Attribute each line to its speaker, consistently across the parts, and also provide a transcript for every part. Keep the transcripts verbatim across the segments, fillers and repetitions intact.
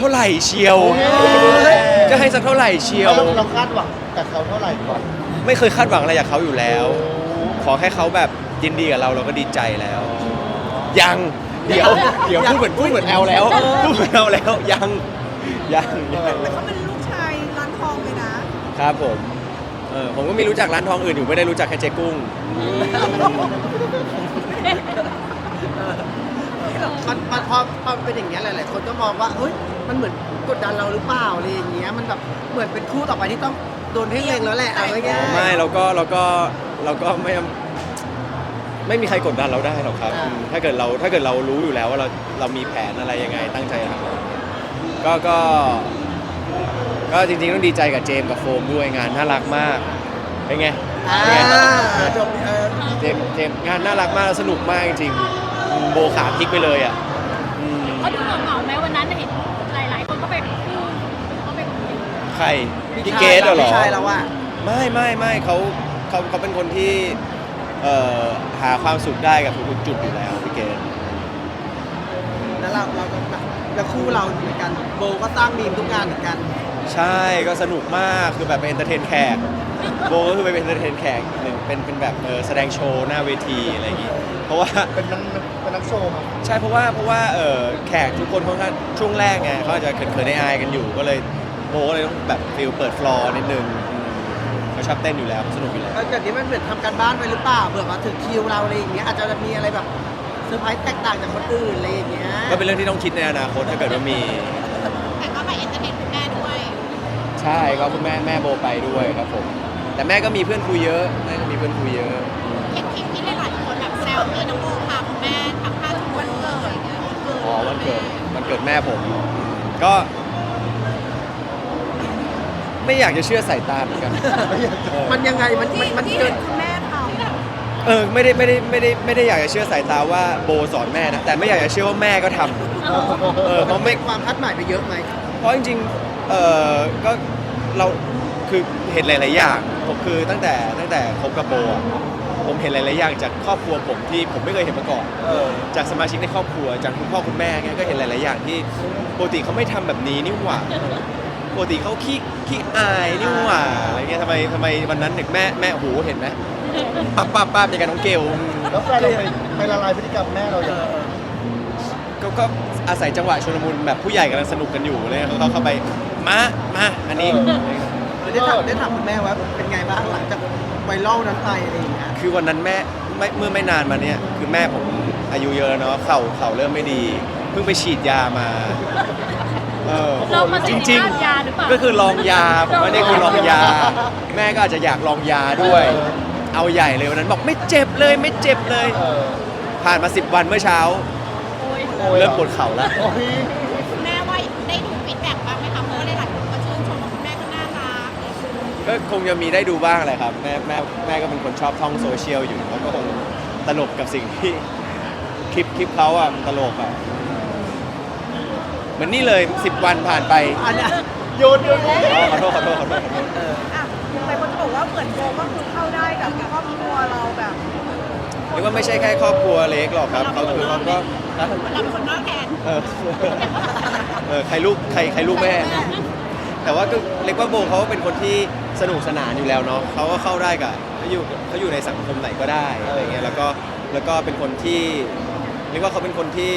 Speaker 1: เท่าไหร่เชียวจะให้สักเท่าไหร่เชียว
Speaker 2: เราเราคาดหวังกับเขาเท่าไหร่ก่อน
Speaker 1: ไม่เคยคาดหวังอะไรจากเขาอยู่แล้ว ขอแค่เขาแบบยินดีกับเราเราก็ดีใจแล้ว ยังเดี๋ยวเดี๋ยวพูดเหมือนพูดเหมือนแอลแล้วพูดเหมือนแอลแล้วยังยังยัง
Speaker 3: แต่เขาเป็นลูกชายร้านทองเลยนะครับ
Speaker 1: ผมเออผมก็มีรู้จักร้านทองอื่นอยู่ไม่ได้รู้จักแค่เจ๊กุ้ง
Speaker 4: มันมันพอพอเป็นอย่างเงี้ยหลายๆคนก็มองว่าเฮ้ยมันเหมือนกดดันเราหรือเปล่าอะไรอย่างเงี้ยมันแบบเหมือนเป็นคู่ต่อไปที่ต้องโดนเพ่งเล็งแล้วแหละเอาง่ายๆ
Speaker 1: ไม่เราก็เราก็เราก็ไม่ไม่มีใครกดดันเราได้หรอกครับ
Speaker 4: อ่า
Speaker 1: ถ้าเกิดเราถ้าเกิดเรารู้อยู่แล้วว่าเราเรามีแผนอะไรยังไงตั้งใจทำก็ก็ก็จริงๆต้องดีใจกับเจมส์กับโฟมด้วยงานน่ารักมากเป็นไง
Speaker 4: อ่า
Speaker 1: เป็นไง
Speaker 4: จบเออ
Speaker 1: เจมส์เจมส์งานน่ารักมากแล้วสนุกมากจริงๆโบขาพลิกไปเลยอ่ะอืม
Speaker 5: เขาดูเหงาๆไหมวันนั้นเห็นหลายๆคนก็ไปคู่เขาไปคุย
Speaker 1: ใครพี่เกดเหรอ
Speaker 4: ไม่ใช่แล้วว่า
Speaker 1: ไม่ไม่ไม่เขาเขาเขาเป็นคนที่เอ่อหาความสุขได้กับทุกๆจุดอยู่แล้วพี่เกด
Speaker 4: แล้วเราเราก็แบบแล้วคู่เราเหมือนกันโบก็สร้างมีมทุกงานเหมือนกัน
Speaker 1: ใช่ก็สนุกมากคือแบบเป็นเอนเตอร์เทนแขกโบก็คือไปเป็นเอนเตอร์เทนแขกหนึ่งเป็นเป็นแบบเออแสดงโชว์หน้าเวทีอะไรอย่างงี้เพราะว่า
Speaker 2: เป็นนักเป็นนักโชว์มั้ง
Speaker 1: ใช่เพราะว่าเพราะว่าเออแขกทุกคนค่อนข้างช่วงแรกไงเขาอาจจะเขินๆอายๆกันอยู่ก็เลยโบก็เลยต้องแบบฟิลเปิดฟลอร์นิดนึงอืมเขาชอบเต้นอยู่แล้วสนุกอยู่แล้ว
Speaker 4: แล้วแบบนี้มันเหมือนทำการบ้านไปหรือเปล่าเผื่อมาถึงคิวเราอะไรอย่างเงี้ยอาจจะมีอะไรแบบเซอร์ไพรส์แตกต่างจากคนอื่นอะไรอย่างเงี้ย
Speaker 1: ก็เป็นเรื่องที่ต้องคิดในอนาคตถ้าเกิดว่ามี
Speaker 5: แต่ก็ไปเอนเตอร์เทนคุณแม่ด้วย
Speaker 1: ใช่ก็คุณแม่แม่โบไปด้วยครับผมแต่แม่ก็มีเพื่อนคุยเยอะแม่ก็มีเพื่อนคุยเยอะ
Speaker 5: เห็นคลิปที่หลายๆคนแบบแซวที่น้องโบพาคุณแม่ทำผ้าทุกวันเกิด
Speaker 1: อ๋อวันเกิดวันเกิดแม่ผมก็ ไม่อยากจะเชื่อสายตาเหมือนกันเออ
Speaker 4: มันยังไงมันมัน
Speaker 3: ที่
Speaker 4: มัน
Speaker 3: ที่
Speaker 4: เกิ
Speaker 3: เห็
Speaker 4: น
Speaker 3: นคุณแม่ท
Speaker 1: เออไม่ได้ไม่ได้ไม่ได้ไม่ได้อยากจะเชื่อสายตาว่าโบสอนแม่นะแต่ไม่อยากจะเชื่อว่าแม่ก็ทำเออเพราะไม่
Speaker 4: ความคาดหมายไปเยอะไหม
Speaker 1: เพราะจริงๆเออก็เราคือเห็นหลาย ๆ อย่างผมคือตั้งแต่ตั้งแต่คบกับโบอะผมเห็นหลาย ๆ อย่างจากครอบครัวผมที่ผมไม่เคยเห็นมาก่อน
Speaker 2: เออ
Speaker 1: จากสมาชิกในครอบครัวจากคุณพ่อคุณแม่เงี้ยก็เห็นหลาย ๆ อย่างที่ปกติเขาไม่ทำแบบนี้นี่หว่าปกติเขาขี้ขี้อายนี่หว่าอะไรเงี้ยทำไมทำไมวันนั้นเด็กแม่แม่โหเห็นไหมป้าป้าป้าเป็นการน้องเกล
Speaker 2: แล้วแฟนเราไปไปละลายพฤติกรรมแม่เราอย่างไร
Speaker 1: ก็ก็อาศัยจังหวะชลมุนแบบผู้ใหญ่กำลังสนุกกันอยู่เลยเขาเข้าไปมามาอันนี้
Speaker 4: ได้ถามได้ถามคุณแม่ว่าเป็นไงบ้างหลังจากไวรัลนั้นไปอะไรอย่างเงี้ย
Speaker 1: คือวันนั้นแม่ไม่เมื่อไม่นานมาเนี้ยคือแม่ผมอายุเยอะแล้วเนาะเข่าเข่าเริ่มไม่ดี เพิ่งไปฉีดยามาเออ
Speaker 5: เรามา
Speaker 1: จ
Speaker 5: สิ
Speaker 1: ริง
Speaker 5: ภาพยาหรือเปล่า
Speaker 1: ๆ ก็คือลองยาผมว่านี่คือลองยา แม่ก็อาจจะอยากลองยาด้วย เอาใหญ่เลยวันนั้นบอกไม่เจ็บเลยไม่เจ็บเลย
Speaker 2: เออ
Speaker 1: ผ่านมาสิบวันเมื่อเช้า
Speaker 5: โอ้ย
Speaker 2: โอ้ย
Speaker 1: เริ่มปวดเข่าแล้ว
Speaker 2: โอ้ย
Speaker 5: คุณแม่ว่าได้ดูฟีดแบ็กบ้างไหมคะเพราะว่าหลายๆคนก็ชื่นชมว่าคุณแม่ก็น่ารัก
Speaker 1: ก็คงจะมีได้ดูบ้างแหละครับแม่แม่แม่ก็เป็นคนชอบท่องโซเชียลอยู่แล้วก็คงตลกกับสิ่งที่คลิปคลิปเขาอ่ะมันตลกอ่ะเหมือนนี่เลยสิบวันผ่านไป
Speaker 4: อันเนี้ย
Speaker 2: โยนโยนโยน
Speaker 1: อ๋อขอโทษขอโทษขอโทษขอโทษ
Speaker 4: เออ
Speaker 3: ำอ่ะหลายคนจะบอกว่าเหมือนโบก็คือเข้าได้กับครอบครัวเราแบบ
Speaker 1: เรียกว่าไม่ใช่แค่ครอบครัวเล็กหรอกครับเขาคือเขาก็นะ
Speaker 5: เราเป็นคนนอกแทน
Speaker 1: เออเออใครลูกใครใครลูกแม่ แต่ว่าก็เรียกว่าโบเขาเป็นคนที่สนุกสนานอยู่แล้วเนาะเขาก็เข้าได้กับเขาอยู่เขาอยู่ในสังคมไหนก็ได้อะไรเงี้ยแล้วก็แล้วก็เป็นคนที่เรียกว่าเขาเป็นคนที่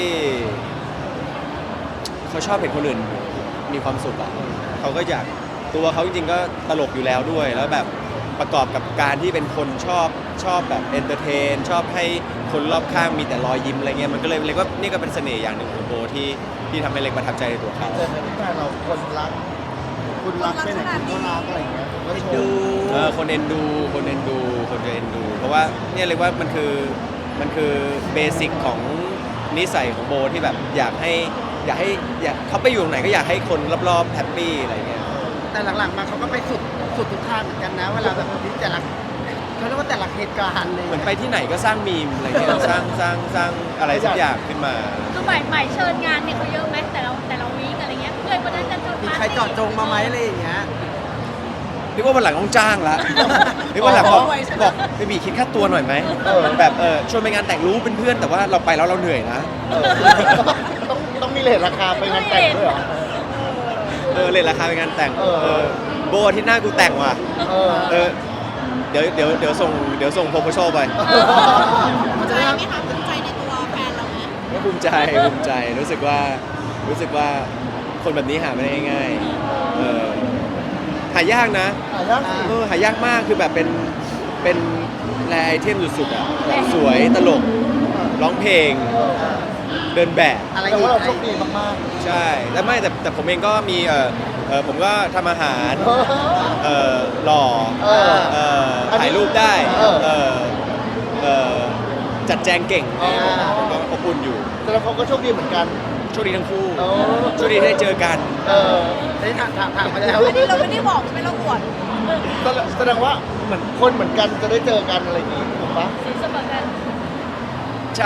Speaker 1: เขาชอบเห็นคนอื่นมีความสุขอะเขาก็อยากตัวเขาจริงๆก็ตลกอยู่แล้วด้วยแล้วแบบประกอบกับการที่เป็นคนชอบชอบแบบเอนเตอร์เทนชอบให้คนรอบข้างมีแต่รอยยิ้มอะไรเงี้ยมันก็เลยเรียกว่านี่ก็เป็นเสน่ห์อย่างหนึ่งของโบที่ที่ทำให้เล็กประทับใจในตัวเขา
Speaker 2: เจอในที่แฟนเราคนรัก คุณรักไม่ไหนคุณก็รักอะไรอย่างเงี้ยก็ช
Speaker 4: ดู
Speaker 2: ม
Speaker 1: เออคนเอ็นดูคนเอ็นดูคนจะเอ็นดู เพราะว่าเนี่ยเรียกว่ามันคือมันคือเบสิกของนิสัยของโบที่แบบอยากให้อยากให้อยากเขาไปอยู่ตรงไหนก็อยากให้คนรอบๆแฮปปี้อะไรเงี้ย
Speaker 4: แต่หลังๆมาเขาก็ไปสุดสุดทุกทางเหมือนกันนะเวลาแบบนี้แต่ละเขาเรียกว่าแต่ละเหตุการณ์เลย
Speaker 1: เหมือนไปที่ไหนก็สร้างมีมอะไรเงี้ยสร้างสร้างสร้างอะไรสักอย่างขึ้นมา
Speaker 5: คือใหม่ใหม่เชิญงานเนี่ยเขาเยอะไหมแต่เราแต่เราวีคอะไรเงี้ยเพื่อนคนนั้นจะเจอ
Speaker 4: มี
Speaker 5: ปาร์ตี้
Speaker 4: ใครเจอดจงมาไหมอะไรอย่างเงี้ย
Speaker 1: เรียกว่าวันหลังต้องจ้างละเรียกว่าหลังบอกบอกไปบีคิดค่าตัวหน่อยไหมแบบเออชวนไปงานแต่งรู้เป็นเพื่อนแต่ว่าเราไปแล้วเราเหนื่อยนะ
Speaker 2: เออต้องต้องมีเลทราคาไปงานแต่งด้วยเหรอ
Speaker 5: เ
Speaker 1: เออเลยราคาเป็นงานแต่ง
Speaker 2: เออ
Speaker 1: เออโบอาที่หน้ากูแต่งว่ะ
Speaker 2: เออ
Speaker 1: เออเดี๋ยวเดี๋ยวเดี๋ยวส่งเดี๋ยวส่งโพโพโชไป
Speaker 4: มัน
Speaker 5: ใจ
Speaker 4: จะได้
Speaker 5: ไหมคะภูมิใจในตัวแฟนเราไหม
Speaker 1: ก็ภูมิใจภูมิใจรู้สึกว่ารู้สึกว่าคนแบบนี้หาไม่ได้ง่ายๆเออหายากนะ
Speaker 2: หายากสิ
Speaker 1: เออหายากมากคือแบบเป็นเป็นแรไอเทมสุดๆอ่ะแบบสวยตลกร้องเพลง เดินแบบ
Speaker 4: อะไร
Speaker 2: แต่
Speaker 4: อีก
Speaker 2: ว่าเราโชคดีมาก
Speaker 1: ใช่แต่ไม่แต่แต่ผมเองก็มีเออเออผมก็ทำอาหาร
Speaker 2: ๆ
Speaker 1: เออหล่อ
Speaker 2: เออ
Speaker 1: เออ
Speaker 2: อันนี้
Speaker 1: ถ่ายรูปได้
Speaker 2: เออ
Speaker 1: เออเออจัดแจงเก่ง
Speaker 2: อ๋อ
Speaker 1: ก็อบอุ่นอยู่
Speaker 2: แต่เราเขาก็โชคดีเหมือนกัน
Speaker 1: โชคดีทั้งคู่
Speaker 2: เออ
Speaker 1: โชคดีที่ได้เจอกัน
Speaker 2: เออ
Speaker 4: ได้ถามถามถามมาแล้ว
Speaker 3: อันนี้เราไม่ได้บอกใช่ไหมเราอวด
Speaker 2: แสดงแสดงว่าเหมือนคนเหมือนกันจะได้เจอกันอะไรอย่างงี้ถูกปะ
Speaker 3: สีเสมอกัน
Speaker 1: ใช่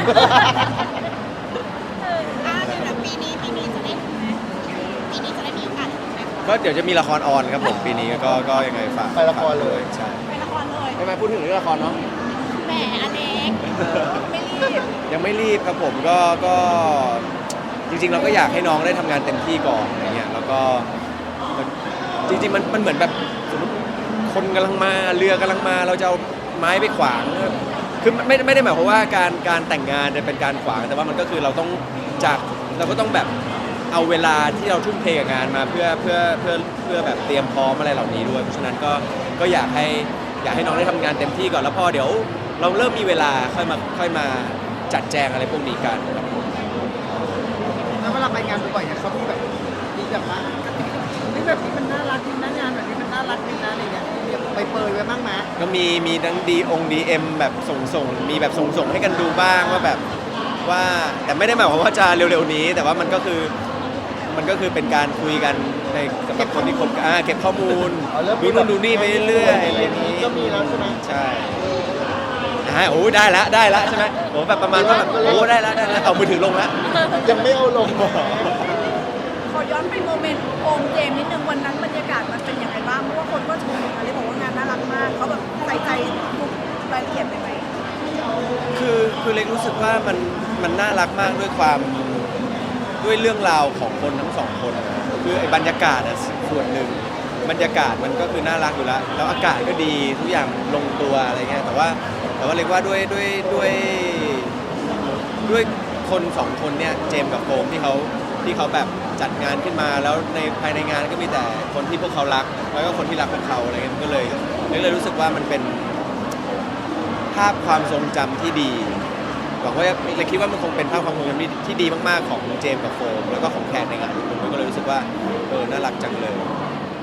Speaker 5: อ่าเดี๋ยวนะปีนี้ปีนี้จะได้ดูไหมปีนี้จะได้มีโอกาสดูไหม
Speaker 1: ก็เดี๋ยวจะมีละครออนครับผมปีนี้ก็ก็ยังไงฝาก
Speaker 2: ไปละครเลย
Speaker 1: ใช่
Speaker 5: ไปละครเลย
Speaker 1: ไม่มาพูดถึงเรื่องละครเนาะ
Speaker 5: แหมอเล็ก
Speaker 3: ไม่รีบ
Speaker 1: ยังไม่รีบครับผมก็ก็จริงๆ เราก็อยากให้น้องได้ทำงานเต็มที่ก่อนอะไรเงี้ยแล้วก็จริงๆมันมันเหมือนแบบสมมติคนกำลังมาเรือกำลังมาเราจะเอาไม้ไปขวางคือไม่ไม่ได้หมายความว่าการการแต่งงานจะเป็นการขวางแต่ว่ามันก็คือเราต้องจากเราก็ต้องแบบเอาเวลาที่เราทุ่มเทกับงานมาเพื่อเพื่อเพื่อเพื่อแบบเตรียมพร้อมอะไรเหล่านี้ด้วยเพราะฉะนั้นก็ก็อยากให้อยากให้น้องได้ทำงานเต็มที่ก่อนแล้วพอเดี๋ยวเราเริ่มมีเวลาค่อยมาค่อยมาจัดแจงอะไรพวกนี้กันครับผม
Speaker 4: แล้วเวลาไปงานบ่อยๆเนี่ยเขามีแบบมีแบบว่านี่แบบนี้มันน่ารักดีนะงานแบบนี้มันน่ารักดีนะอะไรเงี้ยมีแบบไปเปรยไว้บ้างไหม
Speaker 1: ก็มีมีทั้งดีองดีเอ็มแบบส่งส่งมีแบบส่งส่งให้กันดูบ้างว่าแบบว่าแต่ไม่ได้หมายความว่าจะเร็วๆนี้ แต่ว่ามันก็คือมันก็คือเป็นการคุยกันในสำหรับคนที่คบกันอ่าเก็บข้อมูล
Speaker 2: อ๋อเริ่ม
Speaker 1: ดูนู่นดูนี่ไปเรื่อยๆอะไร
Speaker 2: อ
Speaker 1: อย่าง
Speaker 2: นี้
Speaker 1: นี้
Speaker 2: ก็มีแล้วใช่ไหม
Speaker 1: ใช่อ่าโอ้ได้ละได้ละใช่ไหมโอ้แบบประมาณว่าแบบโอ้ได้ละได้ละเอามือถือลงละ
Speaker 2: ยังไม่เอาลง
Speaker 3: ขอย้อนไปโมเมนต์โอมเจมส์นิดนึงวันนั้นบรรยากาศมันเป็นยังไงบ้างเพราะว่าคนก็ชมอะไรบอกว่างานน่ารักมากเขาแบบใส่ใจทุกรายละเอียดเลยไหม
Speaker 1: คือคือเล็กรู้สึกว่ามันมันน่ารักมากด้วยความด้วยเรื่องราวของคนทั้งสองคนนะคือไอ้บรรยากาศอะส่วนหนึ่งบรรยากาศมันก็คือน่ารักอยู่แล้วแล้วอากาศก็ดีทุกอย่างลงตัวอะไรเงี้ยแต่ว่าแต่ว่าเล็กว่าด้วยด้วยด้วยด้วยคนสองคนเนี่ยเจมส์กับโฟมที่เขาที่เขาแบบจัดงานขึ้นมาแล้วในภายในงานก็มีแต่คนที่พวกเขารักแล้วก็คนที่รักพวกเขาอะไรเงี้ยมันก็เลยเล็กเลยรู้สึกว่ามันเป็นภาพความทรงจำที่ดีหวังว่าเลยคิดว่ามันคงเป็นภาพความทรงจำที่ที่ดีมากๆของเจมส์กับโฟมแล้วก็ของแขกในงานทุกคนก็เลยรู้สึกว่าเออน่ารักจังเลย